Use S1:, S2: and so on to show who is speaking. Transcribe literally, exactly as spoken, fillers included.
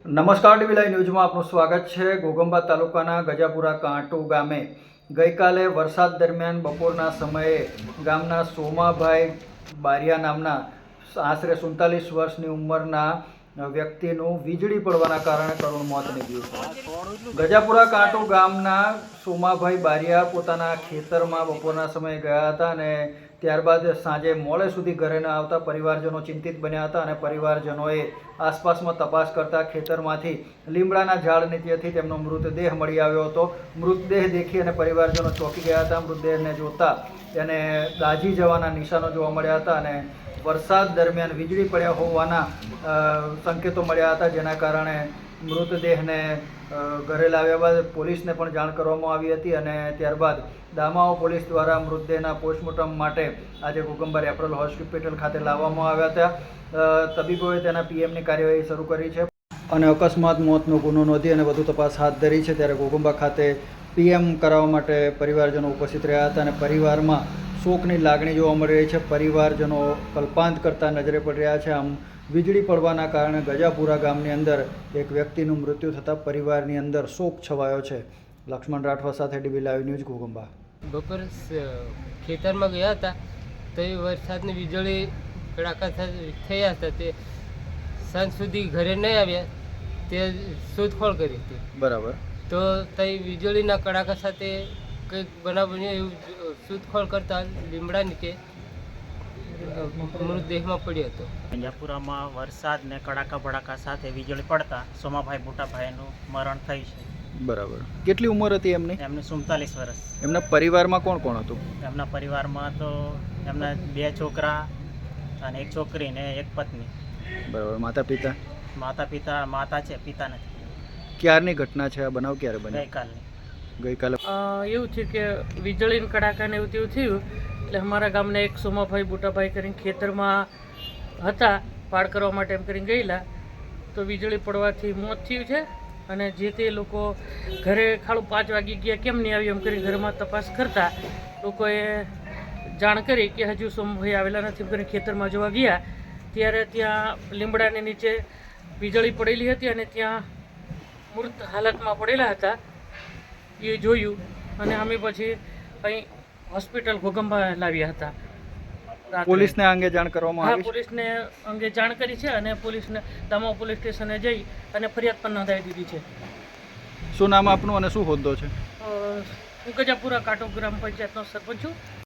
S1: નમસ્કાર TV live ન્યૂઝમાં આપનું સ્વાગત છે। ઘોઘંબા તાલુકાના ગજાપુરા કાંટુ ગામે ગઈકાલે વરસાદ દરમિયાન બપોરના સમયે ગામના સોમાભાઈ બારિયા નામના આશરે સુડતાલીસ વર્ષની ઉંમરના વ્યક્તિનું વીજળી પડવાના કારણે કરુણ મોત નીપજ્યું છે। ગજાપુરા કાંટુ ગામના સોમાભાઈ બારિયા પોતાના ખેતરમાં બપોરના સમયે ગયા હતા અને ત્યારબાદ સાંજે મોડે સુધી ઘરે ન આવતા પરિવારજનો ચિંતિત બન્યા હતા અને પરિવારજનોએ આસપાસમાં તપાસ કરતા ખેતરમાંથી લીમડાના ઝાડ નીચેથી તેમનો મૃતદેહ મળી આવ્યો હતો। મૃતદેહ દેખી અને પરિવારજનો ચોંકી ગયા હતા। મૃતદેહને જોતા તેને દાઝી જવાના નિશાનો જોવા મળ્યા હતા અને વરસાદ દરમિયાન વીજળી પડ્યા હોવાના સંકેતો મળ્યા હતા, જેના કારણે મૃતદેહને ઘરે લાવ્યા બાદ પોલીસને પણ જાણ કરવામાં આવી હતી અને ત્યારબાદ દામાઓ પોલીસ દ્વારા મૃતદેહના પોસ્ટમોર્ટમ માટે આજે ઘોઘંબા રેફરલ હોસ્પિટલ ખાતે લાવવામાં આવ્યા હતા। તબીબોએ તેના પીએમની કાર્યવાહી શરૂ કરી છે અને અકસ્માત મોતનો ગુનો નોંધી અને વધુ તપાસ હાથ ધરી છે। ત્યારે ઘોઘંબા ખાતે પીએમ કરાવવા માટે પરિવારજનો ઉપસ્થિત રહ્યા હતા અને પરિવારમાં શોકની લાગણી જોવા મળી રહી છે। પરિવારજનો કલ્પાંત કરતા નજરે પડી રહ્યા છે। આમ વીજળી પડવાના કારણે ગજાપુરા ગામની અંદર એક વ્યક્તિનું મૃત્યુ થતાં પરિવારની અંદર શોક છવાયો છે। લક્ષ્મણ રાઠવા સાથે ડીબી લાઈવ ન્યૂઝ ઘોઘંબા।
S2: બપોર ખેતરમાં ગયા હતા તો એ વરસાદની વીજળી કડાકા થયા હતા, તે સાંજ સુધી ઘરે નહીં આવ્યા, તે શોધખોળ કરી હતી।
S1: બરાબર।
S2: તો તે વીજળીના કડાકા સાથે કંઈક બનાવ બન્યો એવું શોધખોળ કરતા લીમડા નીચે મૃતદેહમાં પડ્યો હતો।
S3: ગજાપુરામાં વરસાદ ને કડાકા ભડાકા સાથે વીજળી પડતા સોમાભાઈ મોટાભાઈનું મરણ થયું છે।
S1: બરાબર। કેટલી ઉંમર હતી એમની?
S3: એમને સુડતાલીસ વર્ષ।
S1: એમના પરિવારમાં કોણ કોણ હતું?
S3: એમના પરિવારમાં તો એમના બે છોકરા અને એક છોકરી ને એક પત્ની।
S1: બરાબર। માતા પિતા?
S3: માતા પિતા માતા છે, પિતા નથી।
S1: ક્યારની ઘટના છે આ બનાવ? ક્યારે બન્યો?
S3: ગઈકાલની।
S1: ગઈકાલે
S4: એવું છે કે વીજળી કડાકા ને એવું તેવું થયું એટલે અમારા ગામના એક સોમાભાઈ બુટાભાઈ કરીને ખેતરમાં હતા, પાડ કરવા માટે એમ કરીને ગયેલા તો વીજળી પડવાથી મોત થયું છે અને જે તે લોકો ઘરે ખાલી પાંચ વાગી ગયા કેમ નહીં આવ્યું એમ કરીને ઘરમાં તપાસ કરતા લોકોએ જાણ કરી કે હજુ સોમાભાઈ આવેલા નથી એમ કરીને ખેતરમાં જોવા ગયા ત્યારે ત્યાં લીમડાની નીચે વીજળી પડેલી હતી અને ત્યાં મૃત હાલતમાં પડેલા હતા એ જોયું અને અમે પછી અહીં હોસ્પિટલ ઘોઘંબા લાવ્યા હતા।
S1: પોલીસને આ અંગે જાણ કરવામાં
S4: હા,
S1: આવી?
S4: પોલીસને અંગે જાણ કરી છે અને પોલીસને દામા પોલીસ સ્ટેશને જઈ અને ફરિયાદ પણ નોંધાવી દીધી છે।
S1: શું નામ આપનું અને શું હોદ્દો છે?
S4: હું ગજાપુરા કાંટુ ગ્રામ પંચાયતનો સરપંચ છું।